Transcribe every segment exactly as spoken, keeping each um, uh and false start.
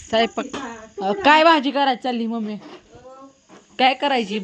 स्वयंपाक अं, काय भाजी करायची चालली मम्मी? काय करायची?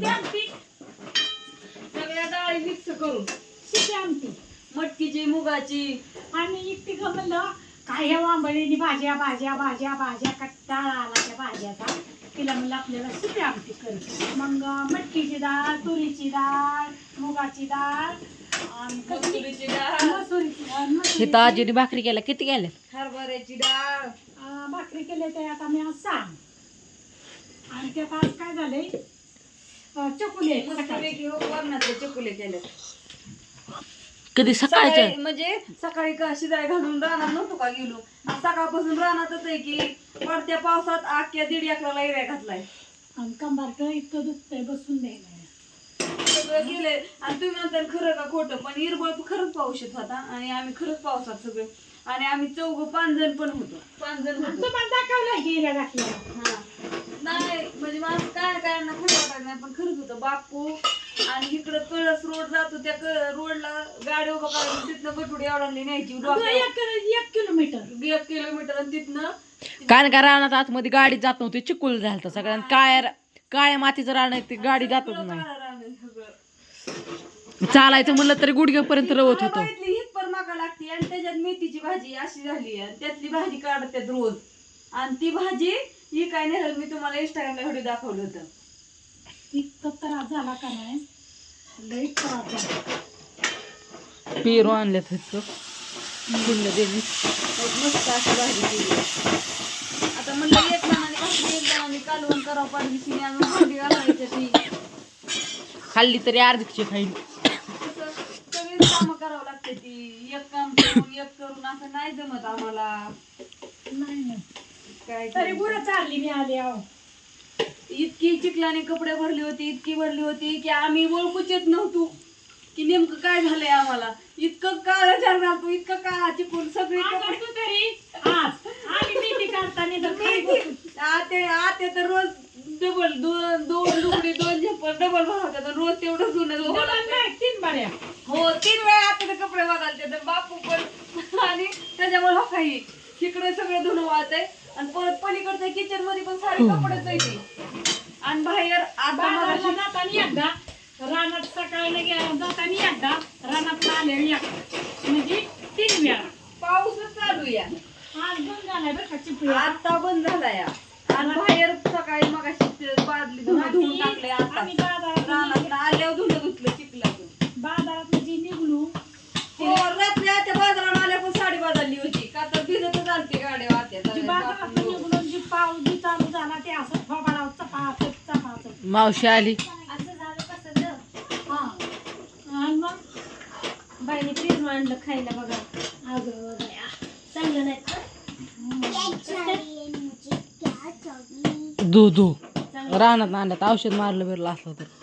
सगळ्या डाळी मिक्स करून शिटी आमटी मटकीची मुगाची आणि इतकी ग म्हणलं काय ह्या वांबळीनी भाज्या भाज्या भाज्या भाज्या कट्टाळा आला त्या भाज्याचा. तिला म्हणलं आपल्याला शिटी आमटी कर. मग मटकीची डाळ, तुरीची डाळ, मुगाची डाळ आणि कसली? मसुरीची डाळ मसुरीची डाळ, हे मसुरीची तर आजीने भाकरी केल्या किती केल्या? हरभऱ्याची डाळ अं, भाकरी केले ते आता मी आज सांग. आणि त्यात आज काय झालंय अं, चकुले आहेत सकाळचे. मस्तपैकी हो वरणाचे चकुले केले कधी सकाळच्या? सकाळी म्हणजे सकाळी का शिजाय घालून रानात नव्हतो का गेलो. आज सकाळपासून रानातच आहे की पडत्या पावसात आख्या दीड एकराला एरिया घातलाय. आणि कंबारक इतकं दुखतंय बसून द्यायला. सगळं गेले आणि तुम्ही नंतर खरं का खोटं पण इरबळ खरंच पाऊस येत होता आणि आम्ही खरंच पावसात सगळे आणि आम्ही चौघ पाच जण पण होतो. पाच जण होतो. तुम्हाला दाखवलं की हिऱ्या घातल्या. हा नाही म्हणजे मला काय काय ना खरं वाटायचं नाही पण खरंच होतं. बापू आणि इकडं कळस रोड जातो त्या रोडला गाडी उभा करायची तिथनं गटुडी एवढाली न्यायची डोक्यावर. एक एक किलोमीटर एक किलोमीटर आणि तिथनं कारण का रानात आतमध्ये गाडी जात नव्हती, चिकुल झालं सगळ्यांना. काळ्या काळ्या मातीचं रान आहे, ती गाडी जातच नाही. चालायचं म्हणलं तरी गुडघ्यापर्यंत रवत होतं. हिप्पर मागा लागते आणि त्याच्यात मेथीची भाजी अशी झाली आणि त्यातली भाजी काढतात रोज आणि ती भाजी ही काय नाही मी तुम्हाला इंस्टाग्रामला व्हिडिओ दाखवलं होतं. इतकं त्रास झाला का नाही लई त्रास झाला. पेरू आणल्यात फक्त फुलं देवी. मस्त अशी भाजी केली. आता म्हणलं एक जणांनी भाकरी एक जणांनी कालवण करावं पाहिजे अजून भांडी घालायची ती खाल्ली तरी अर्धीची खाईल. सगळीच कामं करावं लागते ती. एक काम करून एक करून असं नाही जमत आम्हाला. नाही नाही काय तरी गुरं चालली मी आली आहो. इतकी चिखलाने कपडे भरली होती इतकी भरली होती की आम्ही ओळखूच येत नव्हतो की नेमकं काय झालंय आम्हाला. इतकं काळं झालं घालतो इतकं काळा चिकून सगळे कपडे तू तरी आज आली मेथी काढताना तर खाली बसून. आते आते तर रोज डबल दोन दोन लुगडी दोन झेपर डबल भरवतात आणि रोज तेवढं जुनं डबल नाही, तीन बाऱ्या. हो तीन वेळा आता कपडे बदलते तर बापू पण आणि त्याच्यामुळे हो काही इकडे सगळं धुणं वाहत आहे आणि परत पलीकडच्या किचन मध्ये पण सारे कपडेच आहे आणि बाहेर आता बाजारला मगाशी जाताना एकदा रानात सकाळी गेला जाताना एकदा रानात आले एकदा म्हणजे तीन वेळा. पाऊसच चालू या आज बंद झालाय बरं का चिपळी. आता बंद झाला या आणि बाहेर सकाळी मगाशी बादली धुणं धुवून टाकले. आता आम्ही बाजारात रानात आल्यावर धुणं धुतलं चिखलातून. बाजारात म्हणजे निघलो हो रात्री आता बाजारात आल्या पण साडी बदलली होती का तर भिजतच आलती गाड्या जी बाजारात वाट्या. निघून जी पाऊस जी चालू झाला ते असं फवारा चपाचप चपाचप मावशी आली. असं झालं कसं हा आणि मग बाईने पेरू आणलं खायला बघा. अगं बया चांगलं नाही दू दू रानात आणल्यात औषध मारलं बिरलं असलं तर.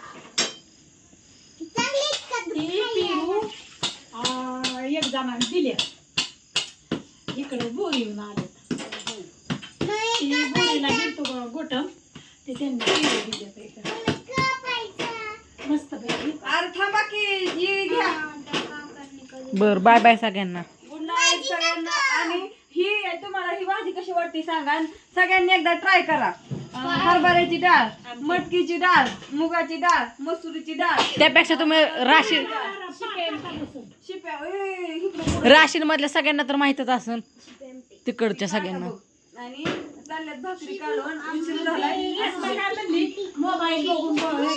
ती पेरू अं, एक जणांनी दिले इकडे बोर येऊन आले. ती बोरीला गेलतो गोटम ते त्यांनी पेरू दिले इकडे मस्त पैकी. अरे थांबा की ही घ्या. बर बाय बाय सगळ्यांना. गुड नाईट सगळ्यांना. आणि ही तुम्हाला ही भाजी कशी वाटते सांगा आणि सगळ्यांनी एकदा ट्राय करा. अं, हरभऱ्याची डाळ, मटकीची डाळ, मुगाची डाळ, मसुरीची डाळ, त्यापेक्षा तुम्ही राशीन शिप्या ए, इकडं राशीन मधल्या सगळ्यांना तर माहितच असन तिकडच्या सगळ्यांना. आणि चालल्यात भाकरी काढून उशीर झालाय. काय म्हणली मोबाईल बघून बघ